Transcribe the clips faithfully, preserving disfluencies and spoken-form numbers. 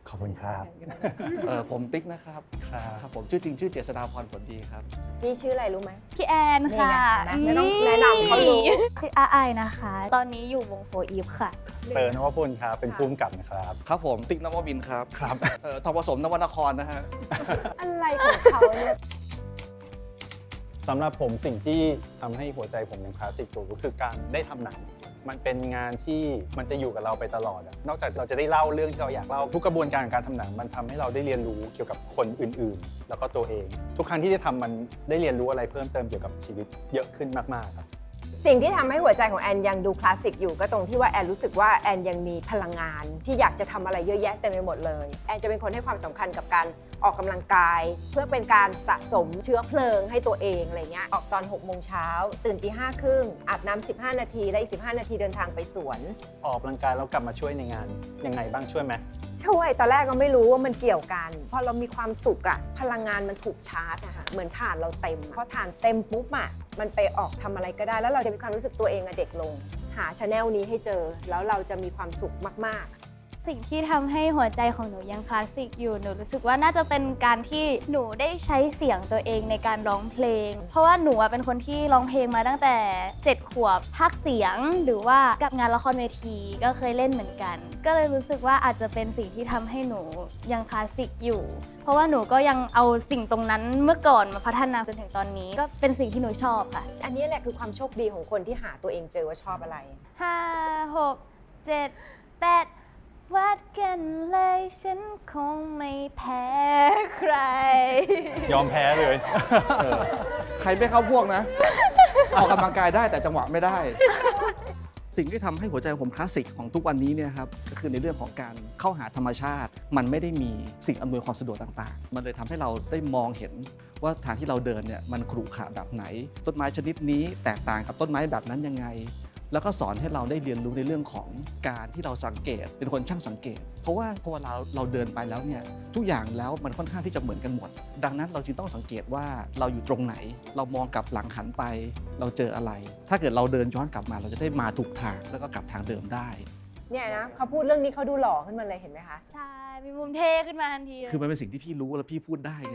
ขอบคุณครับเออผมติ๊กนะครับครับผมชื่อจริงชื่อเจษฎาพรผลดีครับนี่ชื่ออะไรรู้ไหมพี่แอนค่ะนี่ไงเห็นไหมไม่ต้องแนะนำเขารู้ชื่ออาไอนะคะ ตอนนี้อยู่วงโฟอีฟค่ะเตอร์นวพลครับเป็นผู้กำกับนะครับครับผมติ๊กนวมินทร์ครับครับเอ่อทองผสมนวนครนะฮะอะไรของเขาเนี่ยสำหรับผมสิ่งที่ทำให้หัวใจผมยังคลาสสิกอยู่ก็คือการได้ทำหนัง มันเป็นงานที่มันจะอยู่กับเราไปตลอดอะนอกจากเราจะได้เล่าเรื่องที่เราอยากเล่าทุกกระบวนการการทำหนังมันทำให้เราได้เรียนรู้เกี่ยวกับคนอื่นๆ แล้วก็ตัวเอง ทุกครั้งที่ได้ทำมันได้เรียนรู้อะไรเพิ่มเติมเกี่ยวกับชีวิตเยอะขึ้นมากๆครับสิ่งที่ทำให้หัวใจของแอนยังดูคลาสสิกอยู่ก็ตรงที่ว่าแอนรู้สึกว่าแอนยังมีพลังงานที่อยากจะทำอะไรเยอะแยะเต็มไปหมดเลยแอนจะเป็นคนให้ความสำคัญกับการออกกำลังกาย เพื่อเป็นการสะสมเชื้อเพลิงให้ตัวเองอะไรเงี้ยออกตอนหกโมงเช้าตื่นตีห้าครึ่งอาบน้ำสิบห้านาทีและอีกสิบห้านาทีเดินทางไปสวนออกกำลังกายแล้วกลับมาช่วยในงานยังไงบ้างช่วยไหมช่วยตอนแรกก็ไม่รู้ว่ามันเกี่ยวกันพอเรามีความสุขอะพลังงานมันถูกชาร์จอะค่ะเหมือนถ่านเราเต็มพอถ่านเต็มปุ๊บอะมันไปออกทำอะไรก็ได้ แล้วเราจะมีความรู้สึกตัวเองอะเด็กลง หาชาแนลนี้ให้เจอแล้วเราจะมีความสุขมากๆสิ่งที่ทำให้หัวใจของหนูยังคลาสสิกอยู่ หนูรู้สึกว่าน่าจะเป็นการที่หนูได้ใช้เสียงตัวเองในการร้องเพลง เพราะว่าหนูอะเป็นคนที่ร้องเพลงมาตั้งแต่เจ็ดขวบพากย์เสียงหรือว่ากับงานละครเวทีก็เคยเล่นเหมือนกัน ก็เลยรู้สึกว่าอาจจะเป็นสิ่งที่ทำให้หนูยังคลาสสิกอยู่ เพราะว่าหนูก็ยังเอาสิ่งตรงนั้นเมื่อก่อนมาพัฒนาจนถึงตอนนี้ ก็เป็นสิ่งที่หนูชอบค่ะอันนี้แหละคือความโชคดีของคนที่หาตัวเองเจอว่าชอบอะไรห้าหกเจ็ดแปดวัดกันเลยฉันคงไม่แพ้ใครยอมแพ้เลยเออใครไม่เข้าพวกนะ ออกกำลังกายได้แต่จังหวะไม่ได้ สิ่งที่ทำให้หัวใจผมคลาสสิกของทุกวันนี้เนี่ยครับก็คือในเรื่องของการเข้าหาธรรมชาติ มันไม่ได้มีสิ่งอำนวยความสะดวกต่างๆ มันเลยทำให้เราได้มองเห็นว่าทางที่เราเดินเนี่ยมันขรุขระแบบไหน ต้นไม้ชนิดนี้แตกต่างกับต้นไม้แบบนั้นยังไง แล้วก็สอนให้เราได้เรียนรู้ในเรื่องของการที่เราสังเกตเป็นคนช่างสังเกต เพราะว่าพอเราเราเดินไปแล้วเนี่ยทุกอย่างแล้วมันค่อนข้างที่จะเหมือนกันหมด ดังนั้นเราจึงต้องสังเกตว่าเราอยู่ตรงไหน เรามองกลับหลังหันไป เราเจออะไร ถ้าเกิดเราเดินย้อนกลับมาเราจะได้มาถูกทางแล้วก็กลับทางเดิมได้เนี่ยนะเขาพูดเรื่องนี้เขาดูหล่อขึ้นมาเลยเห็นไหมคะใช่ มีมุมเท่ขึ้นมาทันทีเลยคือมันเป็นสิ่งที่พี่รู้แล้วพี่พูดได้ไง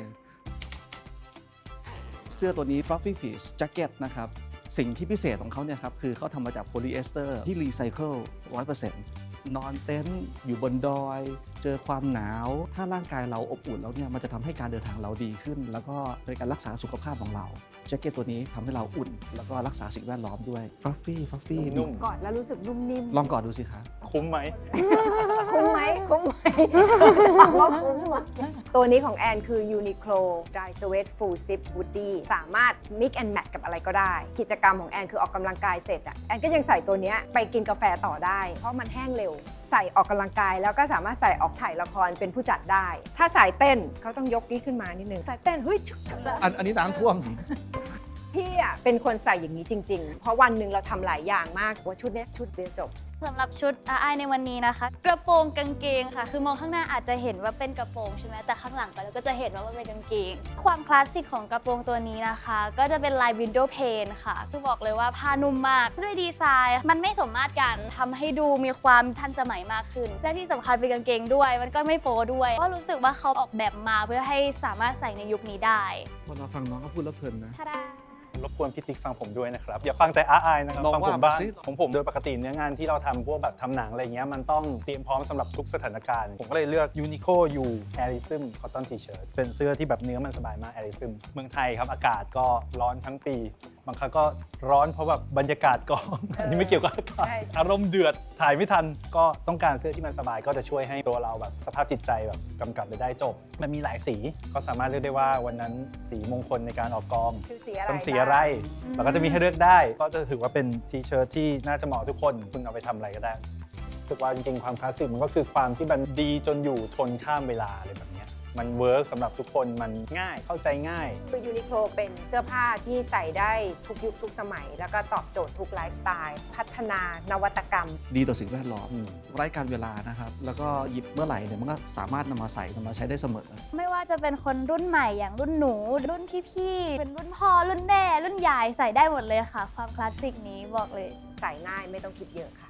เสื้อตัวนี้ Fluffy Fish Jacket นะครับสิ่งที่พิเศษของเขาเนี่ยครับคือเขาทำมาจากโพลีเอสเตอร์ที่รีไซเคิล ร้อยเปอร์เซ็นต์ นอนเต็นท์อยู่บนดอย เจอความหนาว ถ้าร่างกายเราอบอุ่นแล้วเนี่ยมันจะทำให้การเดินทางเราดีขึ้น แล้วก็เป็นการรักษาสุขภาพของเราแจ็คเก็ตตัวนี้ทำให้เราอุ่น แล้วก็รักษาสิ่งแวดล้อมด้วย Fluffy Fluffy นุ่มกอดแล้วรู้สึกนุ่มนิ่มลองกอดดูสิคะคุ้มไหมคุ้มไหมคุ้มไหมถามว่าคุ้มไหมตัวนี้ของแอนคือ Uniqlo Dry Sweat Full Zip Hoodie สามารถ mix and match กับอะไรก็ได้ กิจกรรมของแอนคือออกกำลังกายเสร็จอะแอนก็ยังใส่ตัวเนี้ยไปกินกาแฟต่อได้ เพราะมันแห้งเร็ว ใส่ออกกำลังกายแล้วก็สามารถใส่ออกถ่ายละครเป็นผู้จัดได้ ถ้าสายเต้นเขาต้องยกนี้ขึ้นมานิดนึงสายเต้นเฮ้ยชุกชุกอันอันนี้น้ำท่วมพี่อะเป็นคนใส่อย่างนี้จริง ๆ เพราะวันหนึ่งเราทำหลายอย่างมากว่าชุดเนี้ยชุดเดียวจบสำหรับชุดอาไอในวันนี้นะคะ กระโปรงกางเกงค่ะ คือมองข้างหน้าอาจจะเห็นว่าเป็นกระโปรงใช่ไหมแต่ข้างหลังไปแล้วก็จะเห็นว่ามันเป็นกางเกง ความคลาสสิกของกระโปรงตัวนี้นะคะ ก็จะเป็นลายวินโดว์เพนค่ะคือบอกเลยว่าผ้านุ่มมากด้วยดีไซน์ มันไม่สมมาตรกันทำให้ดูมีความทันสมัยมากขึ้น และที่สำคัญเป็นกางเกงด้วย มันก็ไม่โป๊ด้วยก็รู้สึกว่าเขาออกแบบมาเพื่อให้สามารถใส่ในยุคนี้ได้พอเราฟังน้องเขาพูดแล้วเพลินนะทาดารบกวนพี่ติ๊กฟังผมด้วยนะครับ อย่าฟังแต่อาไอนะครับลองฟังผมว่าบ้างมาสิของผมโดยปกติเนื้องานที่เราทำพวกแบบทำหนังอะไรเงี้ยมันต้องเตรียมพร้อมสำหรับทุกสถานการณ์ ผมก็เลยเลือก Uniqlo U Airism Cotton T-shirt เป็นเสื้อที่แบบเนื้อมันสบายมาก Airism เมืองไทยครับอากาศก็ร้อนทั้งปี บางครั้งก็ร้อนเพราะแบบบรรยากาศกอง อันนี้ไม่เกี่ยวกับอากาศใช่อารมณ์เดือดถ่ายไม่ทันก็ต้องการเสื้อที่มันสบายก็จะช่วยให้ตัวเราแบบสภาพจิตใจแบบกำกับไปได้จบ มันมีหลายสีก็สามารถเลือกได้ว่าวันนั้นสีมงคลในการออกกองคือสีอะไรต้องสีอะไรอืมเราก็จะมีให้เลือกได้ ก็จะถือว่าเป็นทีเชิ้ตที่น่าจะเหมาะทุกคนคุณเอาไปทำอะไรก็ได้รู้สึกว่าจริงๆ ความคลาสสิกมันก็คือความที่มันดีจนอยู่ทนข้ามเวลาอะไรแบบเนี้ยมันเวิร์กสำหรับทุกคนมันง่ายเข้าใจง่ายคือยูนิโคลเป็นเสื้อผ้าที่ใส่ได้ทุกยุคทุกสมัย แล้วก็ตอบโจทย์ทุกไลฟ์สไตล์พัฒนานวัตกรรมดีต่อสิ่งแวดล้อมอืมไร้การเวลานะครับ แล้วก็หยิบเมื่อไหร่เนี่ยมันก็สามารถนำมาใส่นำมาใช้ได้เสมอไม่ว่าจะเป็นคนรุ่นใหม่อย่างรุ่นหนู รุ่นพี่ๆเป็นรุ่นพ่อรุ่นแม่รุ่นยายใส่ได้หมดเลยค่ะ ความคลาสสิกนี้บอกเลยใส่ง่ายไม่ต้องคิดเยอะค่ะ